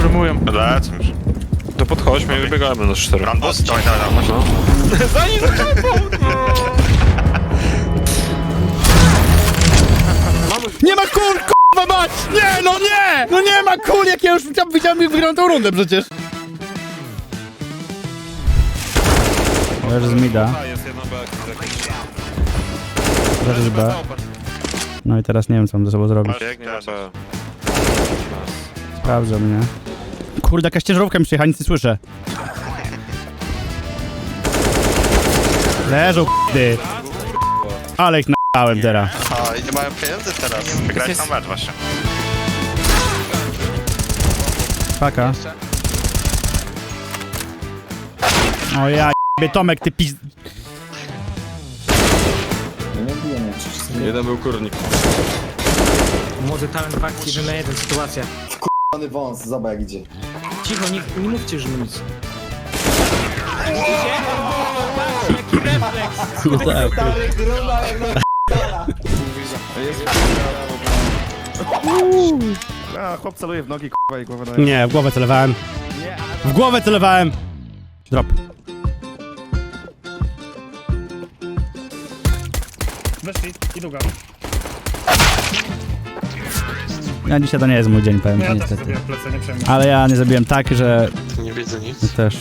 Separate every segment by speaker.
Speaker 1: przejmują.
Speaker 2: Lecę już.
Speaker 1: To podchodźmy i wybiegamy na 4.
Speaker 2: Rambus? Dawaj, chodź.
Speaker 1: No. Za nim
Speaker 3: Nie ma kul, k***a mać! Nie, no nie! No nie ma kul, jak ja już widziałem, jak wygrałem tą rundę przecież. Leży z mida.
Speaker 1: Jest jedno B.
Speaker 3: Leży z B. No i teraz nie wiem, co mam ze sobą zrobić.
Speaker 1: Biegnie na B.
Speaker 3: Sprawdzę mnie. Kurde, jakaś ciężarówka mi przyjechała, nic nie słyszę. Leżą, k***y. Ale ich na***ałem teraz.
Speaker 2: A, i nie mają pieniędzy teraz. Wygrać tam mecz właśnie.
Speaker 3: Paka. O ja jebie, Tomek, ty pizd...
Speaker 1: Jeden był kurnik.
Speaker 4: Młody talent w akcji, 1 na 1 sytuacja.
Speaker 5: Pany wąs, zobacz jak idzie.
Speaker 4: Cicho, nie mówcie, że nic.
Speaker 5: A, chłop celuje w nogi, k***a i głowę na...
Speaker 3: Nie, w głowę celowałem. W głowę celowałem! Drop.
Speaker 6: Weszli i długa.
Speaker 3: Ja dzisiaj to nie jest mój dzień, powiem
Speaker 6: No
Speaker 3: ci
Speaker 6: ja też
Speaker 3: niestety.
Speaker 6: sobie plecę, nie przejmuj.
Speaker 3: Ale ja nie zrobiłem tak, że
Speaker 1: Nie widzę nic.
Speaker 3: też...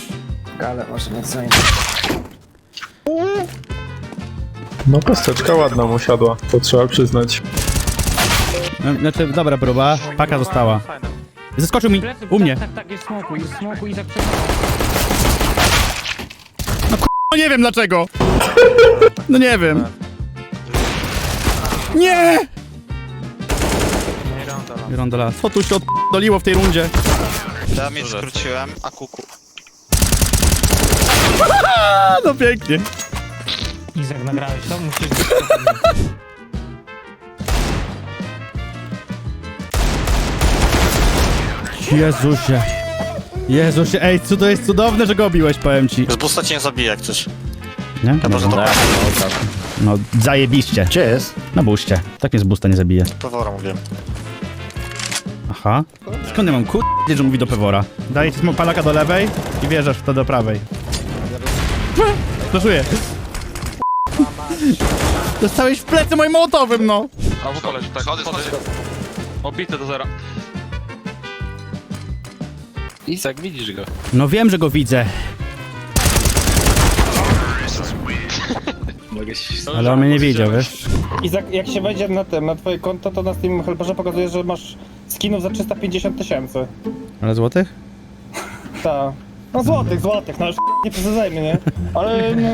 Speaker 7: No kosteczka ładna mu siadła, to trzeba przyznać.
Speaker 3: Znaczy, dobra próba. Paka została. Zeskoczył mi, u mnie.
Speaker 4: Tak, jest smoku i tak
Speaker 3: No nie wiem dlaczego. No nie wiem. Nie! Rondola. Co tu się oddoliło w tej rundzie?
Speaker 2: Ja mi skróciłem, a kuku.
Speaker 3: A, no pięknie.
Speaker 4: Izak, nagrałeś to? Musisz...
Speaker 3: Jezusie. Jezusie, ej, co to jest cudowne, że go obiłeś, powiem ci.
Speaker 2: Z busta cię nie zabije jak coś.
Speaker 3: Nie?
Speaker 2: Chyba, że to
Speaker 3: No, zajebiście.
Speaker 5: Gdzie jest?
Speaker 3: Na buście. Tak mnie z busta nie zabije.
Speaker 2: Pewora mówiłem.
Speaker 3: Aha. Skąd ja mam że mówi do Pewora? Daję ci palaka do lewej i wjeżdżasz w to do prawej. Flaszuję. Dostałeś w plecy moim mołotowym, no!
Speaker 1: A w koleś, tak. Schody. Obity do zera. Izak, widzisz go.
Speaker 3: No wiem, że go widzę. Ale on mnie nie widział, wiesz?
Speaker 6: Izak, jak się wejdzie na twoje konto, to na Steam Helperze pokazuje, że masz skinów za 350 000.
Speaker 3: Ale złotych?
Speaker 6: Tak. No złotych, no już nie przesadzajmy, nie? Ale no...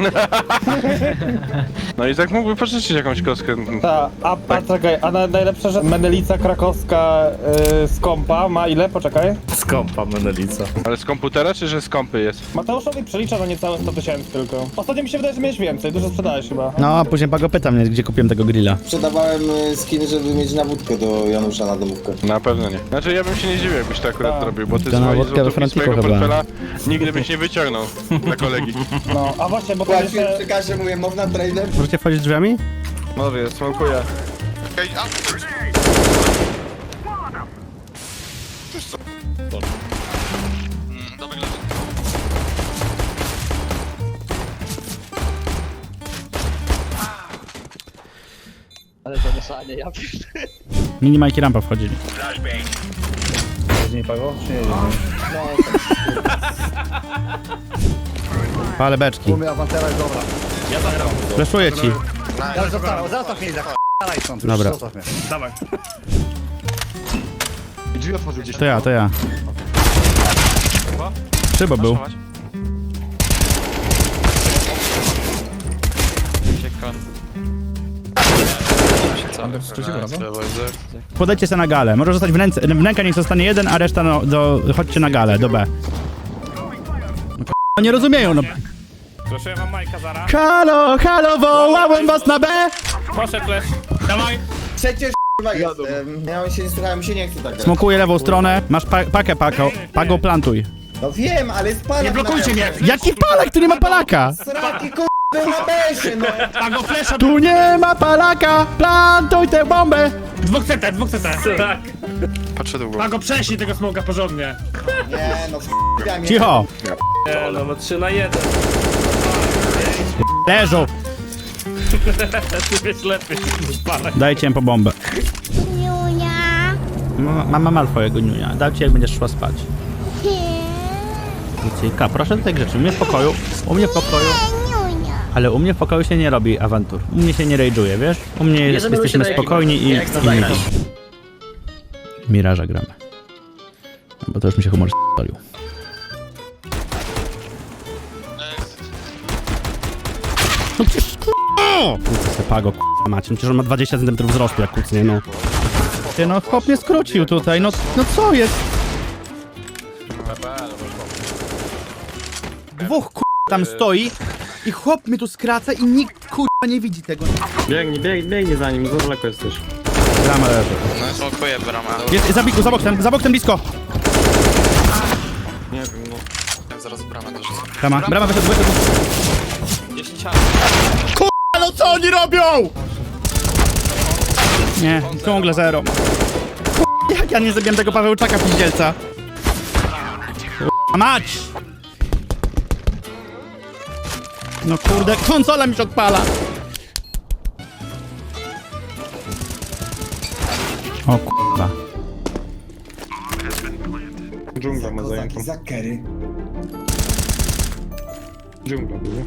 Speaker 1: No i tak mógłby pożyczyć jakąś kostkę.
Speaker 6: Ta, a czekaj, a najlepsze, że Menelica krakowska z kompa ma ile? Poczekaj.
Speaker 5: Skąpa Menelica.
Speaker 1: Ale z komputera, czy że z kompy jest?
Speaker 6: Mateuszowi przelicza na niecałe 100 000 tylko. Ostatnio mi się wydaje, że miałeś więcej, dużo sprzedałeś chyba.
Speaker 3: No, a później Pago pyta mnie, gdzie kupiłem tego grilla.
Speaker 5: Sprzedawałem skiny, żeby mieć na wódkę do Janusza na domówkę.
Speaker 1: Na pewno nie. Znaczy ja bym się nie dziwił, jakbyś to akurat
Speaker 6: Tak.
Speaker 1: robił, bo ty
Speaker 3: To na
Speaker 1: swojej
Speaker 3: wódkę we
Speaker 1: złotówki
Speaker 3: Franciszku
Speaker 1: swojego
Speaker 3: chyba.
Speaker 1: portfela nigdy byś nie wyciągnął dla kolegi.
Speaker 6: No, a właśnie, bo to
Speaker 5: Płaciłem
Speaker 6: jeszcze...
Speaker 5: przy kasie, mówię, można trailer?
Speaker 3: Możecie wchodzić drzwiami?
Speaker 1: Może, smokuję.
Speaker 3: Mini Mike i rampa wchodzili.
Speaker 5: Nie pago? Czy nie?
Speaker 3: Palę beczki.
Speaker 5: Umie awantera, dobra.
Speaker 3: Fleszuję ci.
Speaker 5: Zostaw mnie, dalej stąd.
Speaker 3: Dobra.
Speaker 6: Dawaj.
Speaker 5: Drzwi otworzył gdzieś.
Speaker 3: To ja. Szybo był. Podejdźcie se na galę. Może zostać w rękę niech zostanie jeden, a reszta no, chodźcie na galę, do B. No, nie rozumieją, no.
Speaker 6: Proszę wam Majka zara.
Speaker 3: Halo, wołałem was na B!
Speaker 6: Poszedł flash. Dawaj.
Speaker 5: Przecież k***a jestem. Ja się nie słuchałem, się nie chcę tak grać.
Speaker 3: Smokuję lewą stronę, masz pakę, Pago plantuj.
Speaker 5: No wiem, ale jest palak.
Speaker 6: Nie blokujcie mnie.
Speaker 3: Jaki palak, tu nie ma palaka?
Speaker 5: Sraki k***a na besie, no.
Speaker 6: Pago flasha.
Speaker 3: Tu nie ma palaka, plantuj tę bombę!
Speaker 6: Dwóch CT. Tak.
Speaker 2: Patrzę długo.
Speaker 8: A go prześlij tego smoka porządnie.
Speaker 5: Nie, no f***a mnie.
Speaker 3: Cicho!
Speaker 8: Nie, no 3 na 1.
Speaker 3: Leżą!
Speaker 8: Ty wiesz lepiej.
Speaker 3: Dajcie im po bombę.
Speaker 9: Niunia.
Speaker 3: Mama ma twojego niunia. Dam ci jak będziesz szła spać. Lucyjka, proszę do tych rzeczy. U mnie w pokoju. U mnie w pokoju.
Speaker 9: Niunia.
Speaker 3: Ale u mnie w pokoju się nie robi awantur. U mnie się nie rage'uje, wiesz? U mnie jesteśmy spokojni i mili. Miraża gramy. No bo to już mi się humor s***olił. No przecież Kucę se pago, macie. Przecież on ma 20 cm wzrostu jak kucnie, no. Ty no, chłop mnie skrócił tutaj, no co jest? Dwóch tam stoi i chłop mnie tu skraca i nikt nie widzi tego.
Speaker 8: Biegnij za nim, za daleko jesteś.
Speaker 3: Brama leży.
Speaker 2: No smokuję bramę.
Speaker 3: Jest za bok ten blisko.
Speaker 8: Nie wiem, no.
Speaker 2: Zaraz bramę dorzucę.
Speaker 3: Brama wyszedł. Kurwa, no co oni robią? Nie, ciągle zero. Kurwa, jak ja nie zabiłem tego Pawełczaka pizdzielca. Kurwa, mać! No kurde, konsola mi się odpala. O kurwa.
Speaker 8: Dżungla ma zajętą.
Speaker 5: Zakery.
Speaker 8: Dżungla był.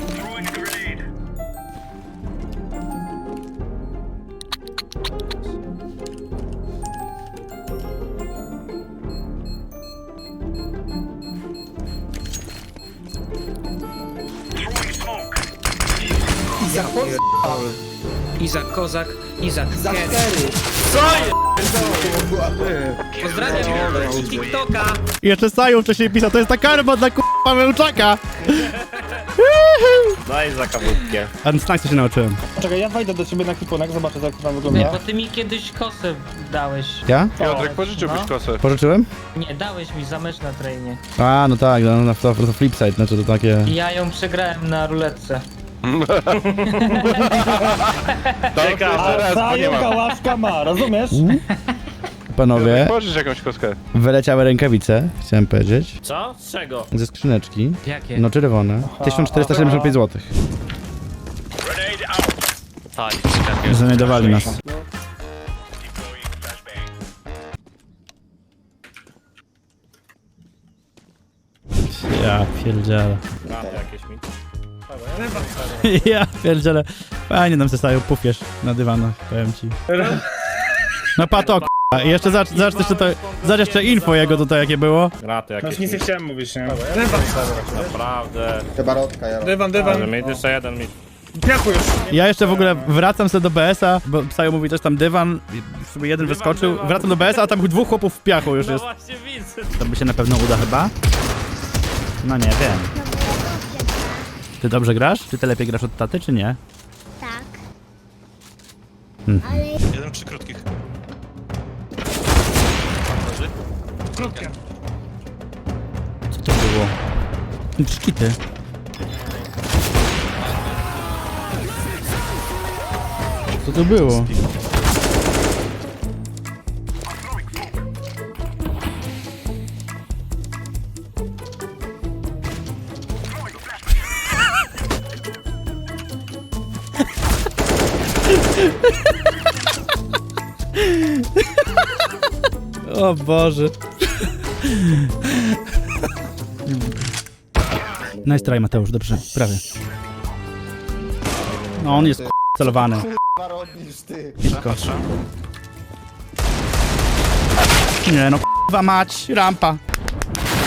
Speaker 4: Izak Kozak, Izak Ket. Pozdrawiam TikToka.
Speaker 3: I jeszcze Saju wcześniej pisał, to jest ta karma dla kurwa Pawełczaka.
Speaker 8: Daj za kawutkę.
Speaker 3: A snack się nauczyłem.
Speaker 6: Czekaj, ja wejdę do ciebie na kipunek, zobaczę jak to tam
Speaker 4: Nie,
Speaker 6: wygląda.
Speaker 4: bo ty mi kiedyś kosę dałeś.
Speaker 3: Ja?
Speaker 8: Piotrek, pożyczyłbyś kosę.
Speaker 3: Pożyczyłem?
Speaker 4: Nie, dałeś mi za mecz na trainie.
Speaker 3: A, no tak, no to flipside, znaczy to takie...
Speaker 4: I ja ją przegrałem na ruletce.
Speaker 6: A zająka łaszka ma, rozumiesz?
Speaker 3: Panowie,
Speaker 8: Pożycz jakąś koskę.
Speaker 3: wyleciały rękawice, chciałem powiedzieć,
Speaker 8: Co? Z czego?
Speaker 3: ze skrzyneczki.
Speaker 4: Jakie?
Speaker 3: No czerwone. 1475 zł.
Speaker 2: Tak,
Speaker 3: Znajdowali nas. Ja pierdzielę.
Speaker 8: Jakieś mi.
Speaker 3: Ja pierdzielę. Fajnie nam zostają pufierz na dywanach, powiem ci. No pato, k***a. I jeszcze zacz jeszcze to... Zacz jeszcze info jego tutaj jakie było.
Speaker 8: Graty jakieś.
Speaker 6: Nic nie chciałem mówić, nie?
Speaker 8: Naprawdę.
Speaker 5: Chyba rodka, ja.
Speaker 8: Dywan. Mieć jeszcze jeden mi.
Speaker 3: Ja jeszcze w ogóle wracam sobie do BS-a, bo Sajo mówi też tam dywan, i sobie jeden wyskoczył, wracam do BS-a, a tam dwóch chłopów w piachu już jest.
Speaker 8: Właśnie widzę.
Speaker 3: To by się na pewno uda chyba? No nie wiem. Ty dobrze grasz? Czy ty lepiej grasz od taty, czy nie?
Speaker 9: Tak.
Speaker 3: Mhm.
Speaker 9: Ale
Speaker 2: Jeden przy krótkich.
Speaker 3: Co to było? Czkity. Co to było? O Boże. Nice try, Mateusz, dobrze, prawie. No on jest celowany.
Speaker 5: Chyba robisz ty.
Speaker 3: Nie no, k***wa mać, rampa.